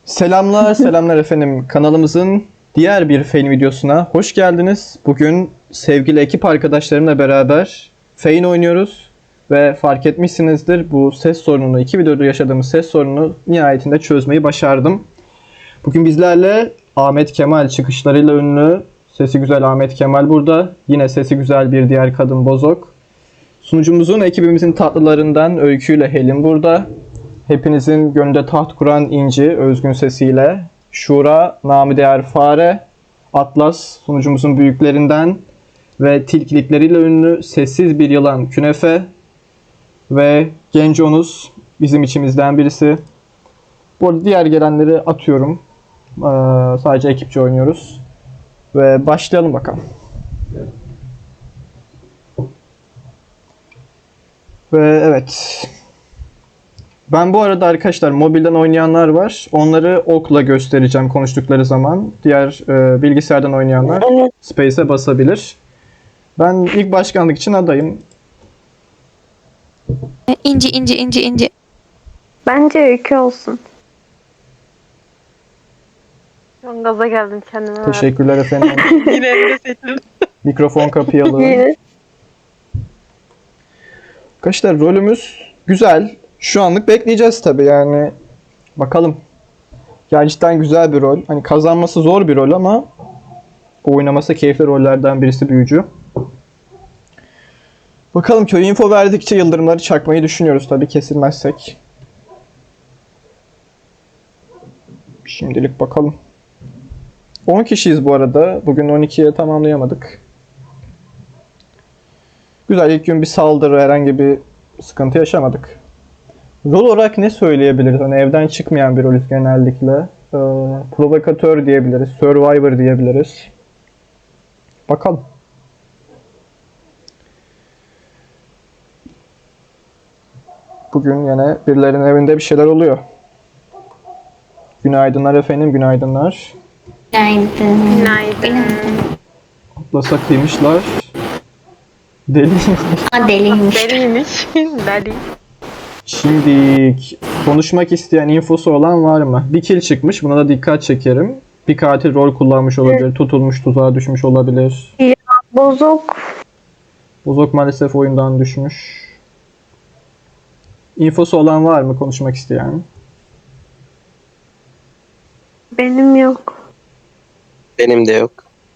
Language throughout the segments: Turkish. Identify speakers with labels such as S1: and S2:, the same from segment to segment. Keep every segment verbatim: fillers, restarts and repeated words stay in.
S1: Selamlar, selamlar efendim. Kanalımızın diğer bir Fein videosuna hoş geldiniz. Bugün sevgili ekip arkadaşlarımla beraber Fein oynuyoruz. Ve fark etmişsinizdir bu ses sorununu, iki videoda yaşadığımız ses sorununu nihayetinde çözmeyi başardım. Bugün bizlerle Ahmet Kemal çıkışlarıyla ünlü, sesi güzel Ahmet Kemal burada. Yine sesi güzel bir diğer kadın Bozok. Sunucumuzun, ekibimizin tatlılarından Öykü ile Helin burada. Hepinizin gönlünde taht kuran İnci, özgün sesiyle. Şura, namı değer Fare. Atlas, sunucumuzun büyüklerinden. Ve tilkilikleriyle ünlü sessiz bir yılan Künefe. Ve Genconuz, bizim içimizden birisi. Bu arada diğer gelenleri atıyorum. Ee, sadece ekipçe oynuyoruz. Ve başlayalım bakalım. Ve evet... Ben bu arada arkadaşlar mobilden oynayanlar var. Onları okla göstereceğim konuştukları zaman. Diğer e, bilgisayardan oynayanlar
S2: Evet.
S1: Space'e basabilir. Ben ilk başkanlık için adayım.
S3: İnci inci inci inci.
S2: Bence öykü olsun.
S4: Şu an gaza geldim kendime.
S1: Teşekkürler efendim.
S4: Yine Emre seçtim.
S1: Mikrofon kapayalı.
S2: Yine.
S1: Arkadaşlar rolümüz güzel. Şu anlık bekleyeceğiz tabii yani. Bakalım. Gerçekten güzel bir rol. Hani kazanması zor bir rol ama oynaması keyifli rollerden birisi büyücü. Bakalım, köy info verdikçe yıldırımları çakmayı düşünüyoruz tabii kesilmezsek. Şimdilik bakalım. on kişiyiz bu arada. Bugün on ikiye tamamlayamadık. Güzel, ilk gün bir saldırı, herhangi bir sıkıntı yaşamadık. Rol olarak ne söyleyebiliriz? Hani evden çıkmayan bir rolüz genellikle. Ee, provokatör diyebiliriz, survivor diyebiliriz. Bakalım. Bugün yine birilerinin evinde bir şeyler oluyor. Günaydınlar efendim, günaydınlar.
S3: Günaydın.
S4: Günaydın.
S1: Atlasa kıymışlar. Deli.
S3: Aa deliymiş.
S4: Deliymiş. Deli.
S1: Şimdi konuşmak isteyen, infosu olan var mı? Bir kill çıkmış, buna da dikkat çekerim. Bir katil rol kullanmış olabilir, tutulmuş, tuzağa düşmüş olabilir.
S2: Bozok.
S1: Bozok maalesef oyundan düşmüş. İnfosu olan var mı konuşmak isteyen?
S2: Benim yok.
S5: Benim de yok.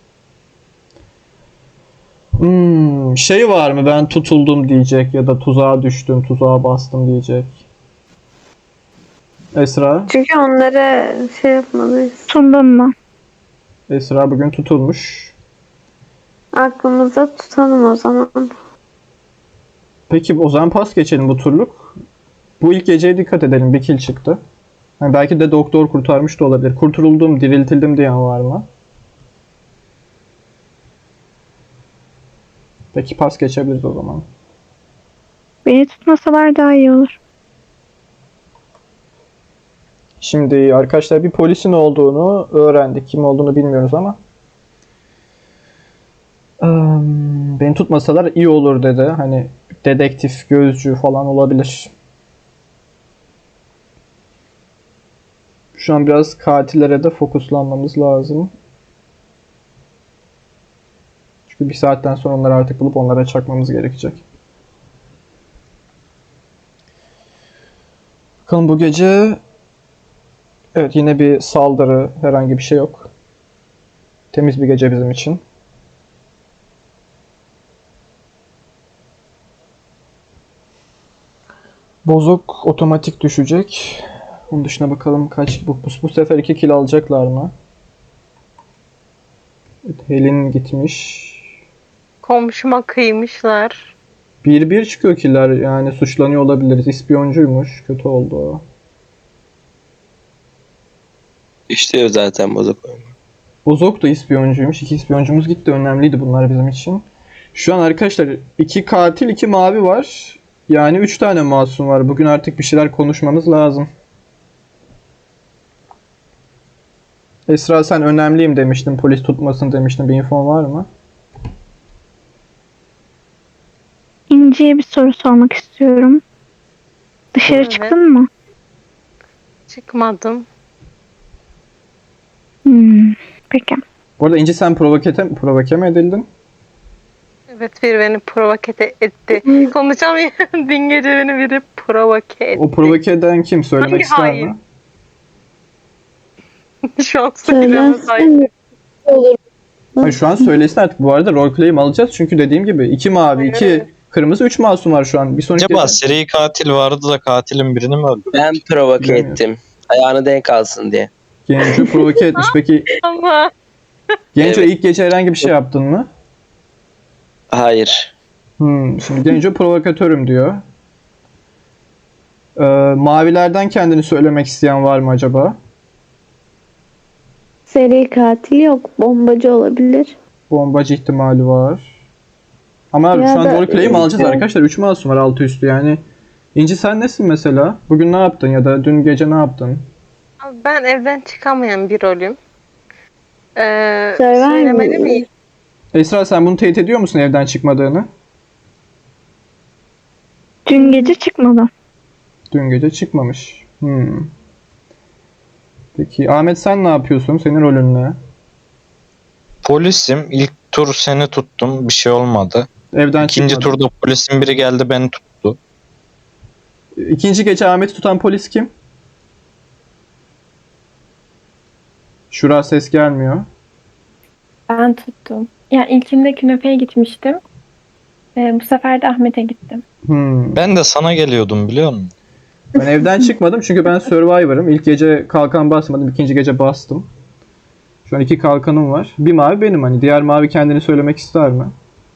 S1: Hmm, şey var mı, ben tutuldum diyecek ya da tuzağa düştüm, tuzağa bastım diyecek. Esra?
S2: Çünkü onlara şey yapmalıyız.
S3: Tutundun mu?
S1: Esra bugün tutulmuş.
S2: Aklımızda tutalım o zaman.
S1: Peki o zaman pas geçelim bu turluk. Bu ilk geceye dikkat edelim, bir kill çıktı. Yani belki de doktor kurtarmış da olabilir. Kurtuldum, diriltildim diyen var mı? Peki pas geçebiliriz o zaman.
S3: Beni tutmasalar daha iyi olur.
S1: Şimdi arkadaşlar bir polisin olduğunu öğrendik. Kim olduğunu bilmiyoruz ama. Eee, Beni tutmasalar iyi olur dedi. Hani dedektif, gözcü falan olabilir. Şu an biraz katillere de fokuslanmamız lazım. Çünkü bir saatten sonra onları artık bulup onlara çakmamız gerekecek. Bakalım bu gece... Evet, yine bir saldırı, herhangi bir şey yok. Temiz bir gece bizim için. Bozok otomatik düşecek. Onun dışına bakalım kaç... Bu, bu, bu sefer iki kill alacaklar mı? Evet, Helin gitmiş.
S4: Komşuma kıymışlar.
S1: bir bir çıkıyor killer, yani suçlanıyor olabiliriz. İspiyoncuymuş. Kötü oldu o.
S5: İşliyor zaten bozuk oyunu.
S1: Bozok da ispiyoncuymuş. İki ispiyoncumuz gitti. Önemliydi bunlar bizim için. Şu an arkadaşlar iki katil, iki mavi var. Yani üç tane masum var. Bugün artık bir şeyler konuşmamız lazım. Esra, sen önemliyim demiştin. Polis tutmasın demiştin. Bir infon var mı?
S3: İnci'ye bir soru sormak istiyorum. Dışarı
S4: Evet.
S3: çıktın mı?
S4: Çıkmadım.
S3: Hmm. Peki.
S1: Bu arada İnci sen provokete, provoke mi edildin?
S4: Evet, biri beni provoke etti. Konuşamıyorum. Dün gece beni biri provoke etti.
S1: O provoke eden kim? Söylemek
S4: Hangi
S1: ister
S4: hain?
S1: mi?
S4: Şu an söylemez.
S2: Söylersen olur.
S1: Hayır, şu an söylesin artık. Bu arada roleplay'im alacağız. Çünkü dediğim gibi iki mavi, iki
S4: Evet.
S1: kırmızı, üç masum var şu an. Bir sonraki
S6: Acaba seri katil vardı da katilin birini mi öldürdü?
S5: Ben provoke
S1: Bilmiyorum.
S5: ettim. Ayağını denk alsın diye.
S1: Genco provoke etmiş. Peki
S4: Ama
S1: Genco
S5: Evet.
S1: ilk gece herhangi bir şey yaptın mı?
S5: Hayır.
S1: Hmm, şimdi Genco provokatörüm diyor. Ee, mavilerden kendini söylemek isteyen var mı acaba?
S2: Seri katil yok. Bombacı olabilir.
S1: Bombacı ihtimali var. Ama
S2: Ya
S1: şu an
S2: da-
S1: roleplay'im alacağız
S2: Evet.
S1: arkadaşlar. üç masum var altı üstü yani. İnci sen nesin mesela? Bugün ne yaptın ya da dün gece ne yaptın?
S4: ben evden çıkamayan bir rolüm. Ee,
S2: Survivor
S4: söylemeli
S2: mu?
S4: miyim?
S1: Esra sen bunu teyit ediyor musun evden çıkmadığını?
S3: Dün gece çıkmadı.
S1: Dün gece çıkmamış. Hmm. Peki Ahmet sen ne yapıyorsun? Senin rolün ne?
S6: Polisim. İlk tur seni tuttum. Bir şey olmadı.
S1: Evden
S6: İkinci
S1: çıkmadın.
S6: turda polisin biri geldi beni tuttu.
S1: İkinci gece Ahmet'i tutan polis kim? Şura ses gelmiyor.
S7: Ben tuttum. Yani ilkinde künefeye gitmiştim. Ee, bu sefer de Ahmet'e gittim.
S1: Hmm.
S6: Ben de sana geliyordum biliyor musun?
S1: Ben evden çıkmadım çünkü ben Survivor'ım. İlk gece kalkan basmadım, ikinci gece bastım. Şu an iki kalkanım var. Bir mavi benim hani. Diğer mavi kendini söylemek ister mi?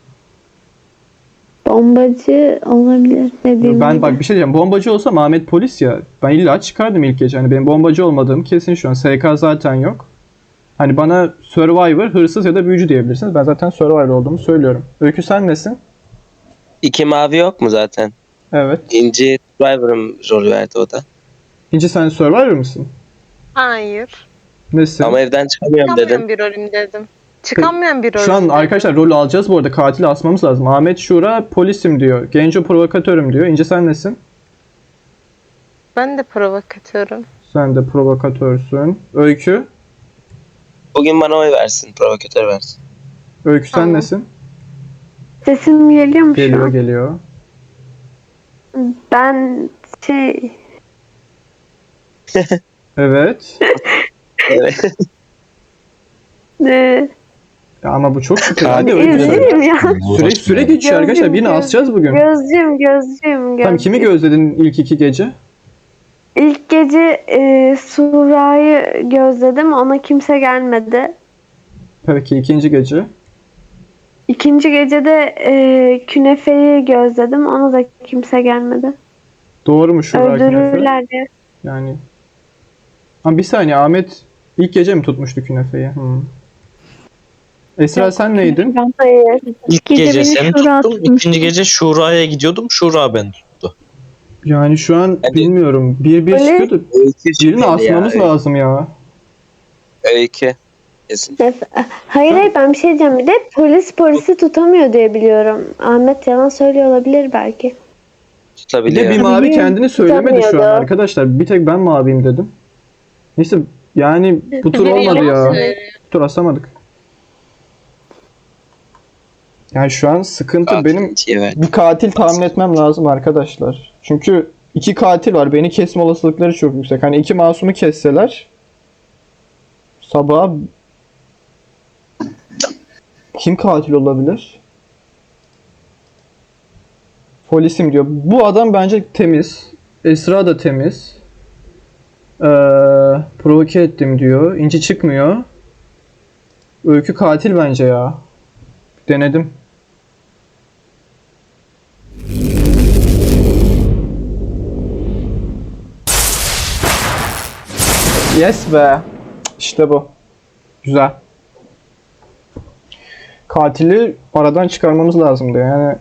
S2: Bombacı olabilir dediğim
S1: Ben
S2: gibi.
S1: bak bir şey diyeceğim. Bombacı olsam Ahmet polis ya. Ben illa çıkardım ilk gece. Hani benim bombacı olmadığım kesin şu an. S K zaten yok. Hani bana Survivor, hırsız ya da büyücü diyebilirsiniz. Ben zaten Survivor olduğumu söylüyorum. Öykü sen nesin?
S5: İki mavi yok mu zaten?
S1: Evet.
S5: İnci Survivor'ım rolü verdi o da.
S1: İnci sen Survivor mısın?
S4: Hayır.
S1: Nesin?
S5: Ama evden çıkamıyorum
S4: Çıkamayan
S5: dedin.
S4: bir rolüm dedim. Çıkamayan bir rolüm
S1: Şu an
S4: dedim.
S1: arkadaşlar rolü alacağız bu arada. Katili asmamız lazım. Ahmet Şura polisim diyor. Genco provokatörüm diyor. İnci sen nesin?
S4: Ben de provokatörüm.
S1: Sen de provokatörsün. Öykü.
S5: Bugün bana oy versin. Provokatör versin.
S1: Öykü sen
S4: Tamam.
S1: nesin?
S2: Sesim geliyor mu şu
S1: Geliyor
S2: an?
S1: geliyor.
S2: Ben şey
S1: Evet.
S5: Evet.
S2: e,
S1: Ya ama bu çok şükür.
S6: Katil
S1: Hadi öykü söyle.
S2: üzgünüm ya.
S1: Süre, süre geçiyor arkadaşlar. Birini
S2: Gözüm,
S1: asacağız bugün.
S2: Gözcüyüm, gözcüyüm,
S1: Tamam kimi
S2: gözcüyüm.
S1: gözledin ilk iki gece?
S2: İlk gece e, Sura'yı gözledim. Ona kimse gelmedi.
S1: Peki ikinci gece.
S2: İkinci gecede e, Künefe'yi gözledim. Ona da kimse gelmedi.
S1: Doğru mu Şura Künefe?
S2: Öldürürler diye.
S1: Yani. Ama bir saniye Ahmet ilk gece mi tutmuştu Künefe'yi? Hmm. Esra sen neydin?
S7: Ben
S2: Hayır.
S6: İlk
S3: Gece
S6: gece
S3: beni
S6: seni
S3: Şura
S6: tuttum.
S3: tutmuştu.
S6: İkinci gece Şura'ya gidiyordum. Şura beni tuttu.
S1: Yani şu an
S5: Bence-
S1: bilmiyorum. Bir bir
S2: Öyle-
S1: çıkıyordu.
S5: Öykü
S1: Birini
S5: şüpheli
S1: asmamız
S5: ya.
S1: lazım ya.
S5: Öykü. Kesin.
S2: Hayır hayır ben bir şey diyeceğim. Bir de polis polisi tutamıyor diye biliyorum. Ahmet yalan söylüyor olabilir belki.
S1: Bir de
S5: Tutabiliyor.
S1: bir mavi
S2: Tabii,
S1: kendini söylemedi şu an
S2: tutamıyordu.
S1: arkadaşlar. Bir tek ben maviyim dedim. Neyse yani bu tur
S4: Biri
S1: olmadı
S4: yalan
S1: ya.
S4: söylüyor.
S1: Bu tur asamadık. Yani şu an sıkıntı
S5: Katil
S1: benim
S5: ikiye verdi.
S1: bir katil tahmin etmem lazım arkadaşlar. Çünkü iki katil var. Beni kesme olasılıkları çok yüksek. Hani iki masumu kesseler sabah kim katil olabilir? Polisim diyor. Bu adam bence temiz. Esra da temiz. Ee, provoke ettim diyor. İnci çıkmıyor. Öykü katil bence ya. Denedim. Yes be. İşte bu. Güzel. Katili aradan çıkarmamız lazımdı yani.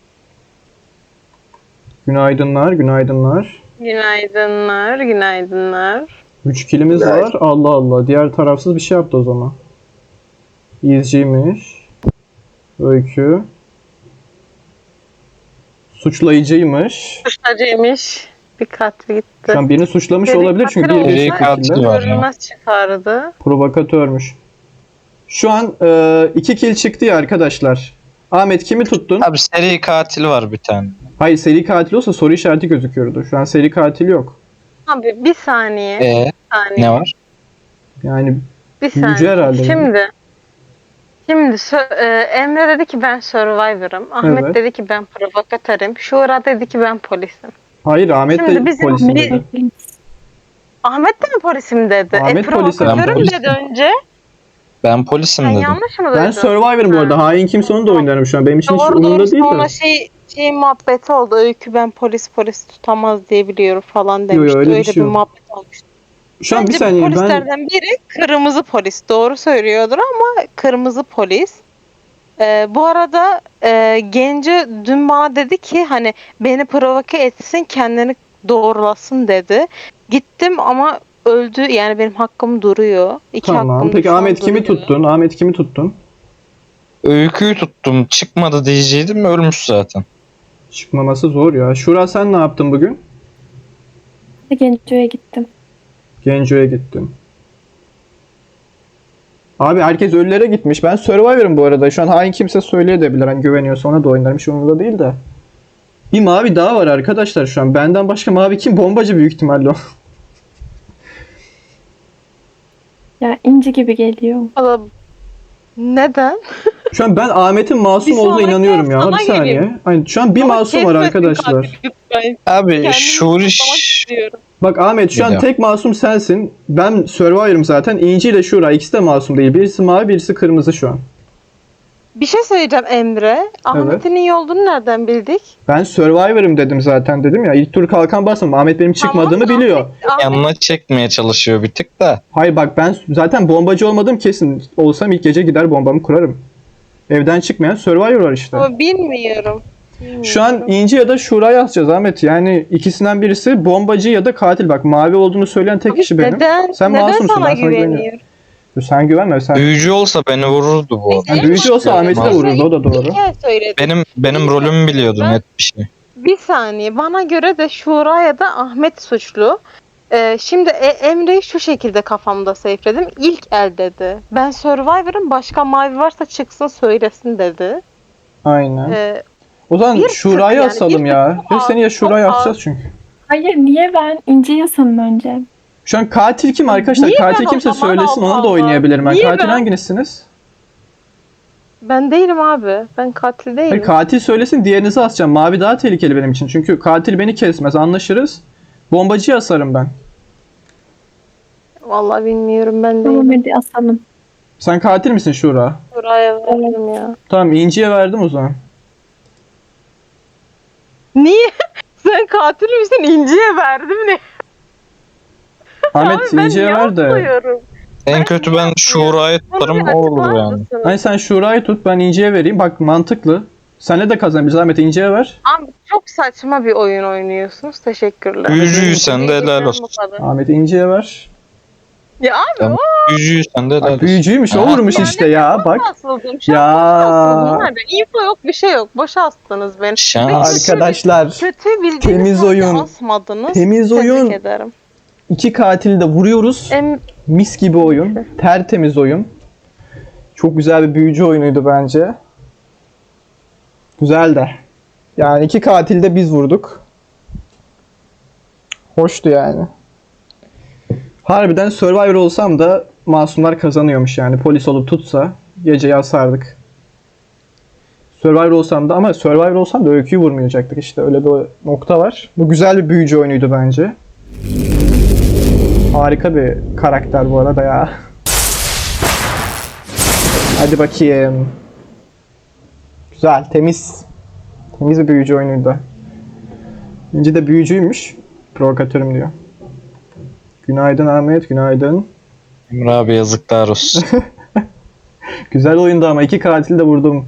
S1: Günaydınlar, günaydınlar.
S4: Günaydınlar, günaydınlar.
S1: üç kilimiz
S5: Günaydın.
S1: var. Allah Allah. Diğer tarafsız bir şey yaptı o zaman. İzciymiş. Öykü. Suçlayıcıymış.
S4: Suçlacıymış. bir katil gitti.
S1: Şu an birini suçlamış
S4: Seri
S1: olabilir çünkü
S4: katil
S1: bir
S6: Seri
S1: bir
S6: katil
S1: şekilde
S6: var.
S4: Görünmez çıkardı.
S1: provokatörmüş. Şu an e, iki kill çıktı ya arkadaşlar. Ahmet kimi tuttun?
S6: Abi seri katil var bir tane.
S1: Hayır, seri katil olsa soru işareti gözüküyordu. Şu an seri katil yok.
S4: Abi bir saniye.
S6: Ee,
S4: Bir saniye.
S6: ne var?
S1: Yani
S4: Bir
S1: Büyücü
S4: saniye.
S1: herhalde.
S4: Şimdi Şimdi sö- e, Emre dedi ki ben Survivor'ım. Ahmet
S1: Evet.
S4: dedi ki ben provokatörüm. Şura dedi ki ben polisim.
S1: hayır, Ahmet
S4: Şimdi
S1: de
S4: bizim
S1: polisim
S4: bir-
S1: dedi.
S4: Ahmet de mi polisim dedi?
S1: Ahmet
S4: e
S1: polisim.
S6: Ben
S4: provokatörüm
S6: polisim.
S4: dedi önce.
S6: Ben polisim
S4: Ben
S6: dedim.
S4: yanlış mı duydum?
S1: Ben Survivor'ım bu arada. Hain kimse onu da oynarım şu an. Benim için hiç
S4: Doğru
S1: umurumda
S4: doğru
S1: değil
S4: sonra
S1: de.
S4: şey, şey muhabbeti oldu. Öykü ben polis polis tutamaz diye biliyorum falan
S1: yo,
S4: demişti.
S1: öyle bir
S4: öyle
S1: şey
S4: bir
S1: yok.
S4: muhabbet olmuştu.
S1: Şu an bir
S4: Bence
S1: saniye ben
S4: polislerden biri kırmızı polis. Doğru söylüyordur ama kırmızı polis. Ee, bu arada e, Genco dün bana dedi ki hani beni provoke etsin kendini doğrulasın dedi. Gittim ama öldü yani benim hakkım duruyor. İki
S1: tamam.
S4: hakkım da
S1: Peki
S4: şu an
S1: Ahmet kimi
S4: duruyor.
S1: tuttun? Ahmet kimi tuttun?
S6: Öyküyü tuttum. Çıkmadı diyeceydim, ölmüş zaten.
S1: Çıkmaması zor ya. Şura sen ne yaptın bugün?
S7: Genco'ya gittim.
S1: Genco'ya gittin. Abi herkes ölülere gitmiş. Ben Survivor'ım bu arada. Şu an hain kimse söyleyebilir. Hani güveniyorsa ona da oynarım. Hiç umurumda değil de. Bir mavi daha var arkadaşlar şu an. Benden başka mavi kim? Bombacı büyük ihtimalle o.
S7: Ya inci gibi geliyor.
S4: Valla neden?
S1: Şu an ben Ahmet'in masum
S4: Bir
S1: olduğuna
S4: sonraki
S1: inanıyorum ya.
S4: sana
S1: Bir saniye.
S4: geleyim.
S1: Hani şu an bir
S4: Ama
S1: masum var
S4: kesmesin
S1: arkadaşlar.
S4: katil lütfen.
S6: Abi
S4: Kendimi
S6: Şuri
S4: kutlamak istiyorum.
S1: Bak Ahmet şu an
S6: Biliyorum.
S1: tek masum sensin. Ben Survivor'ım zaten. İnci ile Şura ikisi de masum değil. Birisi mavi, birisi kırmızı şu an.
S4: Bir şey söyleyeceğim Emre. Ahmet'in iyi olduğunu nereden bildik?
S1: Ben Survivor'ım dedim zaten dedim ya. İlk tur kalkan basmadım. Ahmet benim çıkmadığımı
S4: Tamam,
S1: biliyor.
S4: Ahmet-
S6: yanına çekmeye çalışıyor bir tık da.
S1: Hayır bak ben zaten bombacı olmadım kesin. Olsam ilk gece gider bombamı kurarım. Evden çıkmayan Survivor var işte.
S4: Ama bilmiyorum.
S1: Şu an İnci ya da Şura'yı yazacağız Ahmet. Yani ikisinden birisi bombacı ya da katil. Bak mavi olduğunu söyleyen tek kişi benim.
S4: Neden?
S1: Sen
S4: neden
S1: masumsun,
S4: sana
S1: ben sana güveniyorum.
S4: güveniyorum?
S1: Sen güvenme sen.
S6: Büyücü olsa beni vururdu bu arada.
S1: Yani büyücü olsa Ahmet'i de
S6: Masum.
S1: vururdu, o da doğru.
S4: Bir kere söyledim.
S6: Benim benim rolümü biliyordu
S4: Ben-
S6: net bir şey.
S4: Bir saniye. Bana göre de Şura ya da Ahmet suçlu. Ee, şimdi e- Emre'yi şu şekilde kafamda safeledim. İlk el dedi. Ben Survivor'ım, başka mavi varsa çıksın söylesin dedi.
S1: Aynen.
S4: Ee,
S1: O zaman
S4: bir
S1: Şura'yı
S4: tık yani,
S1: asalım
S4: bir
S1: ya.
S4: tık
S1: Ya
S4: az,
S1: seni ya
S4: çok
S1: Şura'yı
S4: az.
S1: asacağız çünkü.
S7: Hayır niye ben İnci'yi asalım önce?
S1: Şu an katil kim arkadaşlar?
S4: Niye
S1: Katil
S4: ben o
S1: kimse
S4: zaman?
S1: söylesin,
S4: Allah
S1: onu da
S4: Allah.
S1: oynayabilirim ben.
S4: Niye
S1: Katil
S4: ben?
S1: hanginizsiniz?
S4: ben değilim abi. Ben katil değilim.
S1: Hayır, katil söylesin, diğerinizi asacağım. Mavi daha tehlikeli benim için. Çünkü katil beni kesmez, anlaşırız. Bombacıyı asarım ben.
S4: Vallahi bilmiyorum, ben
S7: Tamam
S4: değilim.
S7: hadi asalım.
S1: Sen katil misin Şura?
S4: Şuraya verdim ya.
S1: Tamam, İnci'ye verdim o zaman.
S4: Niye? Sen katil misin? İnci'ye verdim ne?
S1: Ahmet
S4: Abi ben
S1: İnci'ye
S4: niye
S1: ver de.
S4: atlıyorum?
S6: En
S4: Ben
S6: kötü
S4: niye
S6: ben
S4: yapmıyorum?
S6: Şura'yı
S4: Bunu
S6: tutarım,
S4: bir
S6: o olur
S4: açıklar
S6: yani.
S4: mısınız?
S1: Hani sen Şura'yı tut, ben İnci'ye vereyim. Bak mantıklı. Senle de kazanabiliriz Ahmet, İnci'ye ver.
S4: Abi çok saçma bir oyun oynuyorsunuz. Teşekkürler.
S6: Büyücüyü sen de helal olsun.
S1: Ahmet İnci'ye ver.
S4: Ya abi
S6: Tamam. Büyücüyü sen de helal
S1: Ay,
S6: olsun.
S1: büyücüymüş, o
S6: Ha.
S1: vurmuş
S4: Yani
S1: işte ya.
S4: boşa
S1: Bak.
S4: asıldım. Şu
S1: Ya.
S4: an boşa asıldım. Nerede? Info yok, bir şey yok. Boşa astınız beni.
S6: Şans.
S1: Arkadaşlar.
S4: Kötü bildiğiniz
S1: Temiz
S4: halde
S1: oyun.
S4: asmadınız.
S1: Temiz
S4: Tebrik
S1: oyun.
S4: ederim.
S1: İki katili de vuruyoruz.
S4: Em
S1: Mis gibi oyun. Tertemiz oyun. Çok güzel bir büyücü oyunuydu bence. Güzel de. Yani iki katil de biz vurduk. Hoştu yani. Harbiden Survivor olsam da masumlar kazanıyormuş yani. Polis olup tutsa geceyi asardık. Survivor olsam da, ama Survivor olsam da öyküyü vurmayacaktık işte. Öyle bir nokta var. Bu güzel bir büyücü oyunuydu bence. Harika bir karakter bu arada ya. Hadi bakayım. Güzel, temiz. Temiz bir büyücü oyunuydu. İnci de büyücüymüş. Provokatörüm diyor. Günaydın Ahmet, günaydın.
S6: Emre abi yazıklar olsun.
S1: Güzel oyundu ama iki katil de vurdum.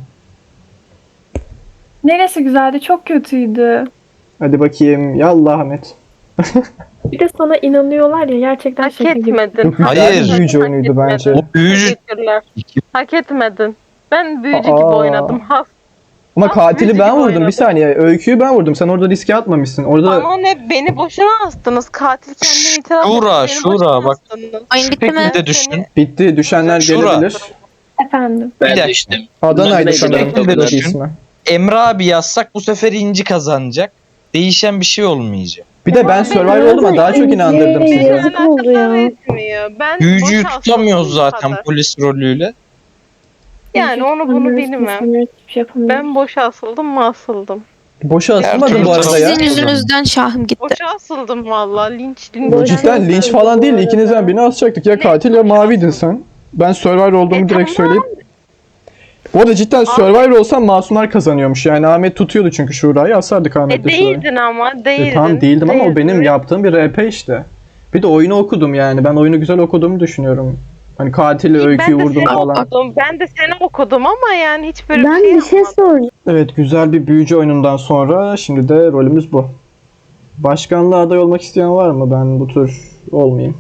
S7: Neresi güzeldi? Çok kötüydü.
S1: Hadi bakayım. Yallah Ahmet.
S7: Bir de sana inanıyorlar ya gerçekten
S4: hak
S7: şaka gibi.
S4: etmedin.
S1: Çok güzel
S6: Hayır.
S1: bir büyücü oyunuydu bence.
S6: O büyücü
S4: Teşekkürler. Hak etmedin. Ben büyücü
S1: Aa.
S4: gibi oynadım. Ha.
S1: Ama
S4: Ama
S1: katili
S4: müzik
S1: ben vurdum.
S4: oynadı.
S1: Bir saniye. Öyküyü ben vurdum. Sen orada riske atmamışsın. Orada
S4: Ama ne beni boşuna astınız. Katil kendini itiraf etti.
S6: Şura,
S4: beni
S6: Şura,
S4: boşuna
S6: bak.
S4: astınız.
S3: Oyun bitti mi?
S6: Şekilde düşün.
S1: bitti. Düşenler
S6: Şura.
S1: gelebilir.
S7: Efendim.
S5: Ben
S6: dakika.
S5: düştüm.
S1: Adana'ydı
S5: Neydi
S1: sanırım.
S5: bekle,
S1: Soyad
S6: düşün.
S1: ismi.
S6: Emre abi yazsak bu sefer İnci kazanacak. Değişen bir şey olmayacak.
S1: Bir de ben Survivor oldum ama daha çok inandırdım sizi.
S2: Yazık oldu ya.
S4: Etmiyor. Ben
S6: Büyücüyü
S4: boş
S6: tutamıyoruz
S4: astım, bu
S6: zaten
S4: kadar.
S6: polis rolüyle.
S4: Yani onu bunu
S7: Anlıyoruz,
S4: bilmem.
S7: kesinlikle hiçbir şey yapamıyoruz.
S4: Ben boşa asıldım mı asıldım.
S1: Boşa asılmadın
S6: Gerçi
S1: bu arada ya.
S6: Sizin
S3: yüzünüzden şahım gitti.
S4: Boşa asıldım valla. Linç linç.
S2: Boşa
S1: Cidden linç falan değil. İkinizden birini asacaktık. Ya katil ya maviydin sen. Ben Survivor olduğumu
S4: E,
S1: direkt
S4: tamam.
S1: söyleyeyim. Bu arada cidden Survivor olsam masumlar kazanıyormuş. Yani Ahmet tutuyordu çünkü Şura'yı. Asardık
S4: E
S1: Ahmet'le Şura'yı.
S4: değildin ama değildin.
S1: E, tamam değildim ama o
S4: Değildin.
S1: benim yaptığım bir R P işte. Bir de oyunu okudum yani. Ben oyunu güzel okuduğumu düşünüyorum. Hani katili, öyküyü
S4: Ben de
S1: vurdum
S4: seni
S1: falan.
S4: okudum. Ben de seni okudum ama yani hiç böyle
S2: Ben
S4: bir şey
S2: bir şey
S4: yapmadım.
S2: soracağım.
S1: Evet, güzel bir büyücü oyunundan sonra şimdi de rolümüz bu. Başkanlığa aday olmak isteyen var mı? Ben bu tür olmayayım.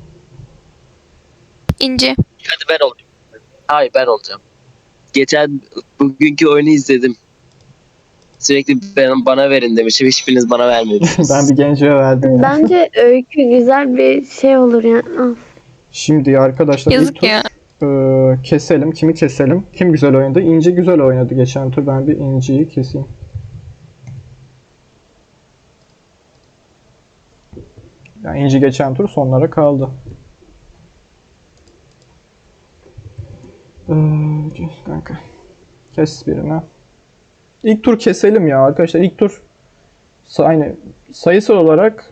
S3: İnci.
S5: Hadi ben olayım. Hayır ben olacağım. Geçen bugünkü oyunu izledim. Sürekli ben, bana verin demişim. Hiçbiriniz bana vermediniz.
S1: Ben bir genceye verdim ya.
S2: Bence öykü güzel bir şey olur yani. Ah.
S1: Şimdi arkadaşlar ilk
S3: Yazık
S1: tur
S3: ya.
S1: e, keselim. Kimi keselim? Kim güzel oynadı? İnci güzel oynadı geçen tur. Ben bir İnci'yi keseyim. Yani İnci geçen tur sonlara kaldı. Ee, kes kanka. Kes birini. İlk tur keselim ya arkadaşlar. İlk tur sa- aynı sayısal olarak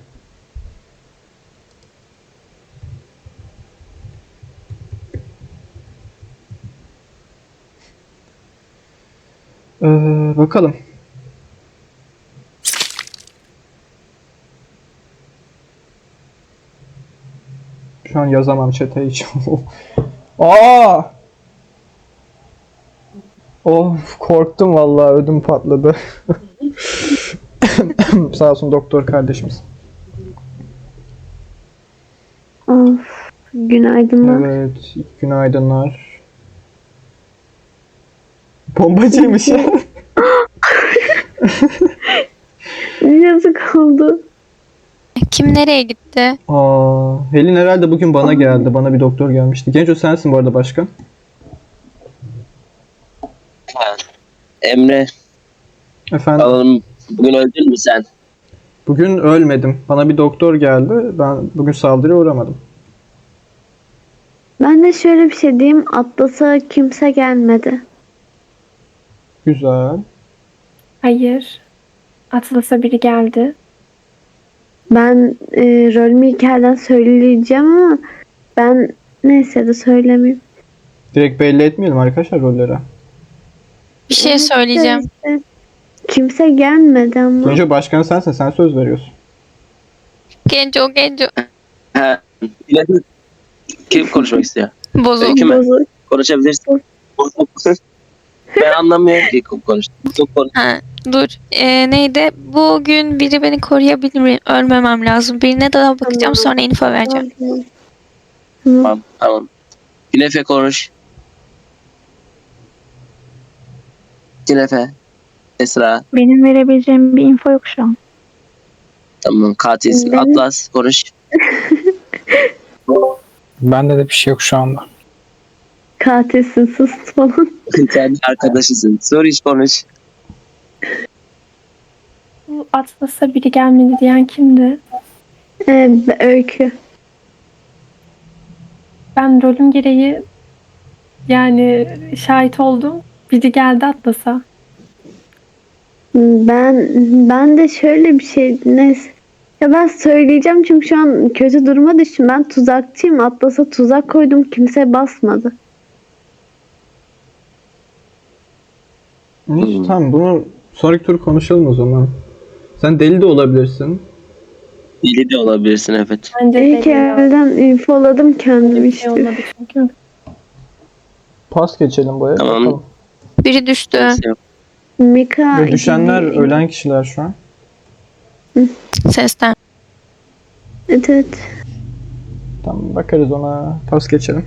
S1: Ee, bakalım. Şu an yazamam chat'e hiç. Aa! Of, korktum vallahi, ödüm patladı. Sağ olsun doktor kardeşimiz.
S2: Of. Günaydınlar.
S1: Evet, günaydınlar. Bombacıymış ya.
S2: Yazık oldu.
S3: Kim nereye gitti?
S1: Aa, Helin herhalde bugün bana geldi. Bana bir doktor gelmişti. Genco sensin bu arada başkan.
S5: Ha. Emre
S1: Efendim.
S5: alalım. Bugün öldün mü sen?
S1: Bugün ölmedim. Bana bir doktor geldi. Ben bugün saldırıya uğramadım.
S2: Ben de şöyle bir şey diyeyim. Atlas'a kimse gelmedi.
S1: Güzel.
S7: Hayır. Atlas'a biri geldi.
S2: Ben e, rolümü hikayeden söyleyeceğim ama ben neyse de söylemeyeyim.
S1: Direkt belli etmeyelim arkadaşlar rolleri.
S3: Bir şey söyleyeceğim.
S2: Neyse. Kimse gelmedi ama.
S1: Genco başkan sensin. Sen söz veriyorsun.
S3: Genco Genco.
S5: Ha. Yine de- Kim konuşmak istiyor?
S3: Bozuk.
S5: Öykü mü?
S2: Bozuk.
S5: Konuşabilirsin. Ben anlamıyorum ki konuş. Çok konuş.
S3: Ha, dur. Ee, neydi? Bugün biri beni koruyabilir mi? Ölmemem lazım. Birine daha bakacağım,
S2: Tamam.
S3: sonra info vereceğim.
S2: Tamam.
S5: Tamam. Tamam. Günefe konuş. Günefe. Esra.
S3: Benim verebileceğim bir info yok şu an.
S5: Tamam. Katil.
S2: Ben-
S5: Atlas konuş.
S6: Bende de bir şey yok şu anda.
S2: Katilsin, sus falan.
S5: Sen arkadaşısın. Sor hiç konuş.
S7: Bu Atlas'a biri gelmedi diyen kimdi?
S2: Ee, öykü.
S7: Ben rolüm gereği yani şahit oldum. Biri geldi Atlas'a.
S2: Ben ben de şöyle bir şey neyse. Ya ben söyleyeceğim çünkü şu an kötü duruma düştüm. Ben tuzakçıyım. Atlas'a tuzak koydum. Kimse basmadı.
S1: Hiç,
S5: Hmm.
S1: tamam, bunu sonraki tur konuşalım o zaman. Sen deli de olabilirsin.
S5: Deli de olabilirsin evet.
S7: Bence
S2: İyi ki
S7: de ya.
S2: evden infoladım kendimi
S7: Bir şey
S2: işte.
S7: olmadı çünkü.
S1: Pas geçelim bu eve.
S5: Tamam.
S1: bakalım.
S3: Biri düştü.
S5: Neyse yok.
S2: Mika.
S1: Ve düşenler ölen kişiler şu an.
S3: Sesten.
S2: Evet, evet.
S1: Tamam, bakarız ona. Pas geçelim.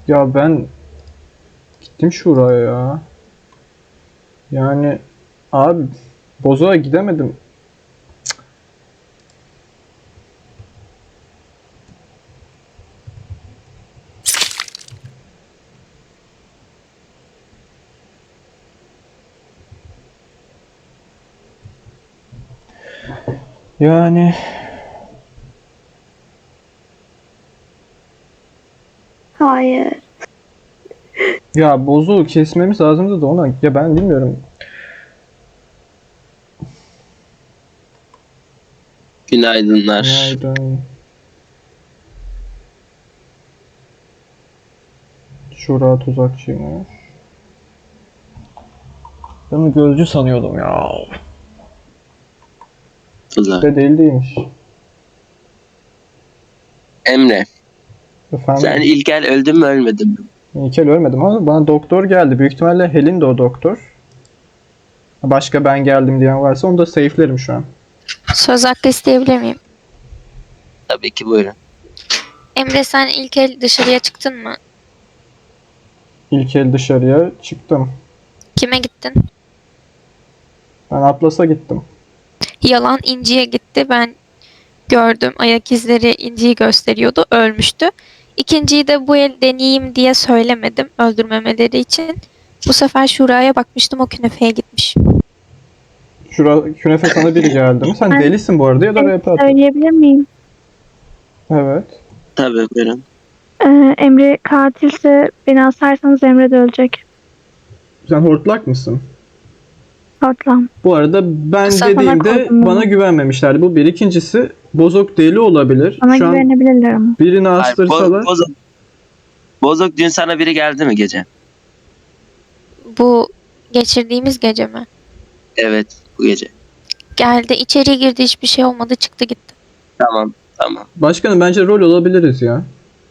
S1: Ya ben gittim şuraya ya. Yani abi Bozo'ya gidemedim. Yani
S2: Hayır.
S1: ya Bozo'yu kesmemiz lazımdı da ona. Ya ben bilmiyorum.
S5: Günaydınlar.
S1: Günaydın. Şura tuzakçıymış. Ben onu gözcü sanıyordum ya.
S5: Güzel.
S1: De değil değilmiş.
S5: Emre,
S1: Efendim,
S5: sen İlkel öldün mü ölmedin mi?
S1: İlkel ölmedim ama bana doktor geldi. Büyük ihtimalle Helin de o doktor. Başka ben geldim diyen varsa onu da safe'lerim şu an.
S3: Söz hakkı isteyebilir miyim?
S5: Tabii ki buyurun.
S3: Emre sen ilk el dışarıya çıktın mı?
S1: İlkel dışarıya çıktım.
S3: Kime gittin?
S1: Ben Atlas'a gittim.
S3: Yalan İnci'ye gitti. Ben gördüm. Ayak izleri İnci'yi gösteriyordu. Ölmüştü. İkinciyi de bu el deneyeyim diye söylemedim. Öldürmemeleri için. Bu sefer Şura'ya bakmıştım. O künefeye gitmiş.
S1: Şura künefe sana biri geldi mi? Sen
S7: Ben-
S1: delisin bu arada ya da
S7: Evet,
S1: rap at.
S7: Söyleyebilir miyim?
S1: Evet.
S5: Tabii buyurun.
S7: Ee, Emre katilse beni asarsanız Emre de ölecek.
S1: Sen hortlak mısın?
S7: Hortlam.
S1: Bu arada ben
S3: Sana
S1: dediğimde
S7: koydum
S1: bana
S7: bunu.
S1: güvenmemişlerdi. Bu bir. İkincisi Bozok deli olabilir.
S7: Bana
S1: Şu an
S7: güvenebilirler ama.
S1: birini
S5: Hayır,
S1: astırsalar.
S5: Bo- Bozok, Bozok dün sana biri geldi mi gece?
S3: Bu geçirdiğimiz gece mi?
S5: Evet, bu gece.
S3: Geldi. İçeriye girdi. Hiçbir şey olmadı. Çıktı gitti.
S5: Tamam, tamam.
S1: Başkanım bence rol olabiliriz ya.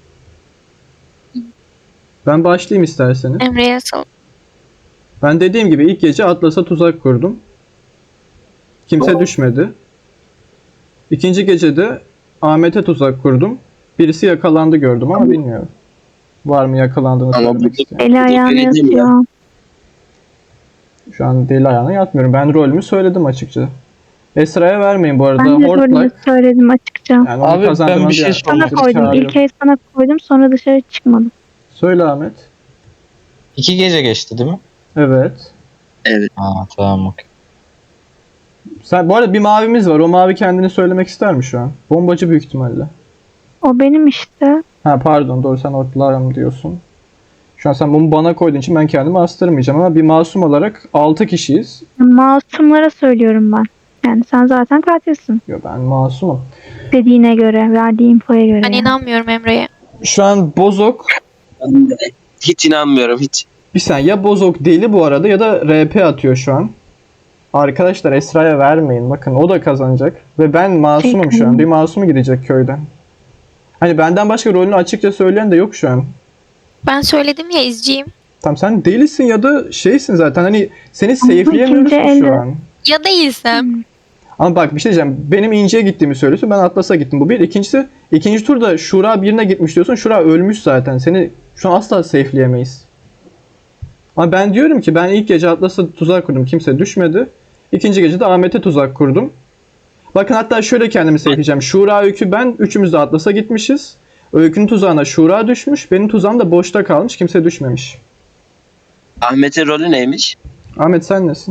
S1: Ben başlayayım isterseniz.
S3: Emre'ye sal.
S1: Ben dediğim gibi ilk gece Atlas'a tuzak kurdum. Kimse düşmedi. İkinci gecede Ahmet'e tuzak kurdum. Birisi yakalandı gördüm ama bilmiyorum. Var mı yakalandığını
S5: Ama
S1: söylemek
S5: bu-
S1: isteyen.
S7: Eli ayağını
S5: öyle değil mi ya?
S7: yatıyor.
S1: Şu an deli ayağına yatmıyorum. Ben rolümü söyledim açıkça. Esra'ya vermeyin bu arada.
S7: Ben de rolümü
S1: Hortlak.
S7: söyledim açıkça.
S1: Yani onu
S6: Abi, ben
S1: kazandırmanız
S6: bir şey
S1: yani.
S6: sormak
S7: Sana
S1: Sizi
S7: koydum.
S1: çağırıyorum.
S7: İlk el sana koydum. Sonra dışarı çıkmadım.
S1: Söyle Ahmet.
S6: İki gece geçti değil mi?
S1: Evet.
S5: Evet.
S6: Ha tamam okey.
S1: Sen, bu arada bir mavimiz var. O mavi kendini söylemek ister mi şu an? Bombacı büyük ihtimalle.
S7: O benim işte.
S1: Ha pardon doğru sen ortalarım diyorsun. Şu an sen bunu bana koyduğun için ben kendimi astırmayacağım ama bir masum olarak altı kişiyiz.
S7: Masumlara söylüyorum ben. Yani sen zaten katilsin.
S1: Yo ben masumum.
S7: Dediğine göre, verdiği infoya göre.
S3: Ben
S7: yani.
S3: inanmıyorum Emre'ye.
S1: Şu an Bozok
S5: Ben de hiç inanmıyorum hiç.
S1: bir saniye ya Bozok deli bu arada ya da R P atıyor şu an. Arkadaşlar Esra'ya vermeyin. Bakın o da kazanacak. Ve ben masumum şu an. Bir masumu gidecek köyden. Hani benden başka rolünü açıkça söyleyen de yok şu an.
S3: Ben söyledim ya izciyim.
S1: Tam sen delisin ya da şeysin zaten. Hani seni safe'leyemiyoruz
S7: ikinci
S1: ki şu
S7: elde-
S1: an.
S3: Ya değilsem.
S1: Ama bak bir şey diyeceğim. Benim İnce'ye gittiğimi söylüyorsun. Ben Atlas'a gittim. Bu bir. İkincisi ikinci turda Şura birine gitmiş diyorsun. Şura ölmüş zaten. Seni şu an asla safe'leyemeyiz. Ama ben diyorum ki ben ilk gece Atlas'a tuzak kurdum. Kimse düşmedi. İkinci gece de Ahmet'e tuzak kurdum. Bakın hatta şöyle kendimi safe'leyeceğim. Şura, Öykü, ben üçümüz de Atlas'a gitmişiz. Öykü'nün tuzağına Şura düşmüş. Benim tuzağım da boşta kalmış. Kimse düşmemiş.
S5: Ahmet'in rolü neymiş?
S1: Ahmet sen nesin?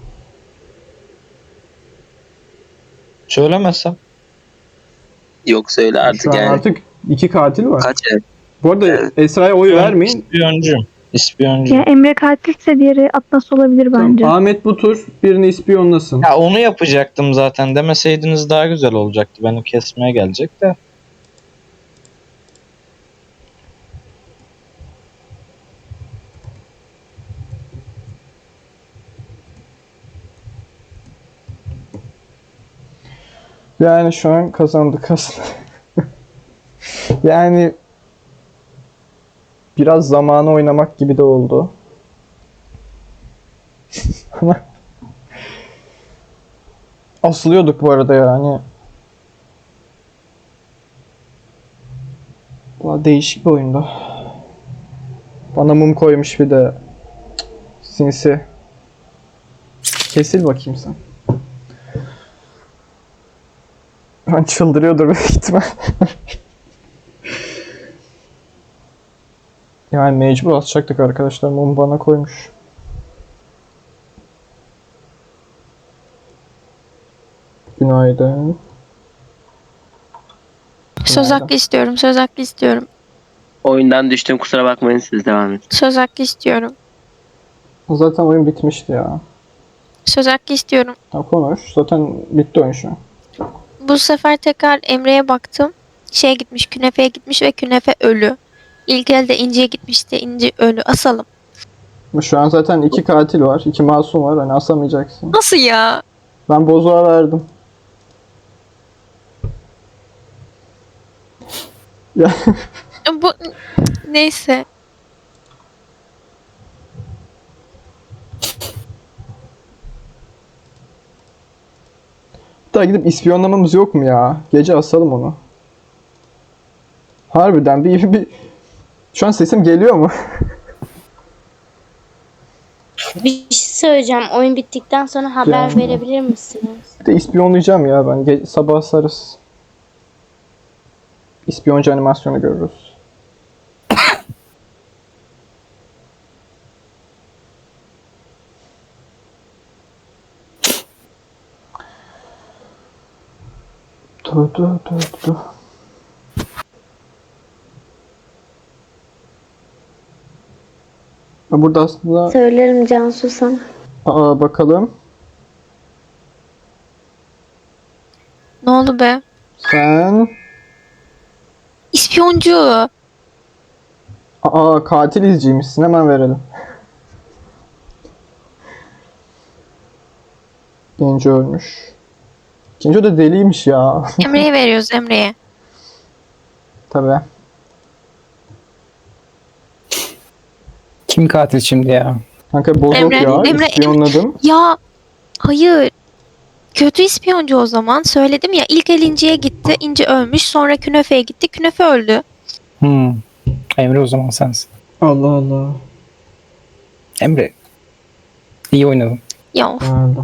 S6: Söylemezsem.
S5: Yok söyle artık
S1: Şu an
S5: yani.
S1: artık iki katil var.
S5: Kaç ev?
S1: Bu arada
S5: Evet.
S1: Esra'ya oy vermeyin.
S6: İspiyoncuyum. İspiyoncu.
S7: Ya Emre katilse diğeri Atlas olabilir bence.
S1: Tamam, Ahmet bu tur birini ispiyonlasın.
S6: Ya onu yapacaktım zaten. Demeseydiniz daha güzel olacaktı. Beni kesmeye gelecek de.
S1: Yani şu an kazandık aslında. Yani biraz zamanı oynamak gibi de oldu. Ama asılıyorduk bu arada yani. Bu değişik bir oyundu. Bana mum koymuş bir de. Cık, sinsi. Kesil bakayım sen. Ben çıldırıyordur büyük ihtimal. Yani mecbur asacaktık arkadaşlar. Mum bana koymuş. Günaydın.
S3: Söz hakkı istiyorum. Söz hakkı istiyorum.
S5: Oyundan düştüm, kusura bakmayın, siz devam edin.
S3: Söz hakkı istiyorum.
S1: Zaten oyun bitmişti ya.
S3: Söz hakkı istiyorum.
S1: Ha, konuş. Zaten bitti oyun şu an.
S3: Bu sefer tekrar Emre'ye baktım. Şeye gitmiş, künefeye gitmiş ve künefe ölü. İlk elde İnci'ye gitmişti. İnci ölü. Asalım.
S1: Ama şu an zaten iki katil var. iki masum var. Hani asamayacaksın.
S3: Nasıl ya?
S1: Ben bozuğa verdim. Ya
S3: Bu neyse.
S1: daha gidip ispiyonlamamız yok mu ya? Gece asalım onu. Harbiden bir, bir... Şu an sesim geliyor mu?
S8: Bir şey söyleyeceğim. Oyun bittikten sonra haber
S1: Yani.
S8: verebilir misiniz?
S1: Bir de ispiyonlayacağım ya ben. Ge- sabah asarız. İspiyoncu animasyonu görürüz. Du, du, du, du. Ha, burada aslında
S2: Söylerim Cansu sana.
S1: aa, bakalım.
S3: Ne oldu be?
S1: Sen
S3: İspiyoncu.
S1: aa, katil izciymişsin. Hemen verelim. Genco ölmüş. Genco da deliymiş ya.
S3: Emre'ye veriyoruz Emre'ye.
S1: Tabii.
S9: Kim katil şimdi ya?
S1: Kanka bozuk
S3: Emre,
S1: ya.
S3: Emre,
S1: İspiyonladım.
S3: Ya hayır. Kötü ispiyoncu o zaman. Söyledim ya, ilk el İnci'ye gitti. İnci ölmüş. Sonra künefeye gitti. Künefe öldü.
S9: Hmm. Emre o zaman sensin.
S1: Allah Allah.
S9: Emre. İyi oynadın.
S3: Ya of.
S1: Nerede?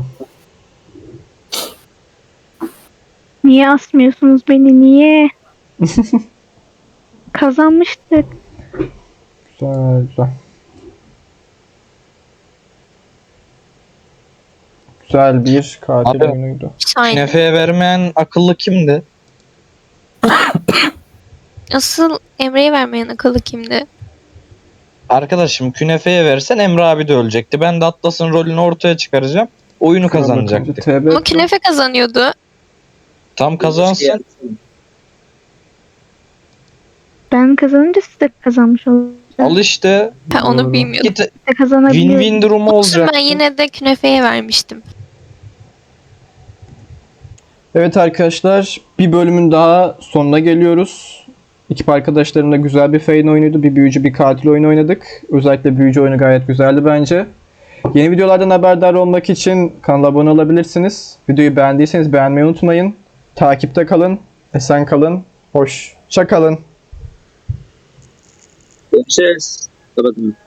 S10: Niye asmıyorsunuz beni? Niye? Kazanmıştık.
S1: Güzel güzel. Güzel bir katil
S6: Abi.
S1: oyunuydu.
S3: Aynen.
S6: Künefeye vermeyen akıllı kimdi?
S3: Asıl Emre'ye vermeyen akıllı kimdi?
S6: Arkadaşım künefeye versen Emre abi de ölecekti. Ben de Atlas'ın rolünü ortaya çıkaracağım. Oyunu kazanacaktık.
S1: T B
S3: Ama künefe kazanıyordu.
S6: Tam kazansın.
S10: Ben kazanınca siz de kazanmış olacaksınız.
S6: Al işte.
S3: Ben onu
S1: Doğru.
S3: bilmiyordum.
S6: Git
S10: Siz de kazanabiliyorsunuz.
S6: win-win durumu
S3: Olsun,
S6: olacak.
S3: ben yine de künefeye vermiştim.
S1: Evet arkadaşlar, bir bölümün daha sonuna geliyoruz. Ekip arkadaşlarımla güzel bir Feyn oyunuydu. Bir büyücü, bir katil oyunu oynadık. Özellikle büyücü oyunu gayet güzeldi bence. Yeni videolardan haberdar olmak için kanala abone olabilirsiniz. Videoyu beğendiyseniz beğenmeyi unutmayın. Takipte kalın, esen kalın, hoşça kalın.
S5: Görüşürüz. Kapadım.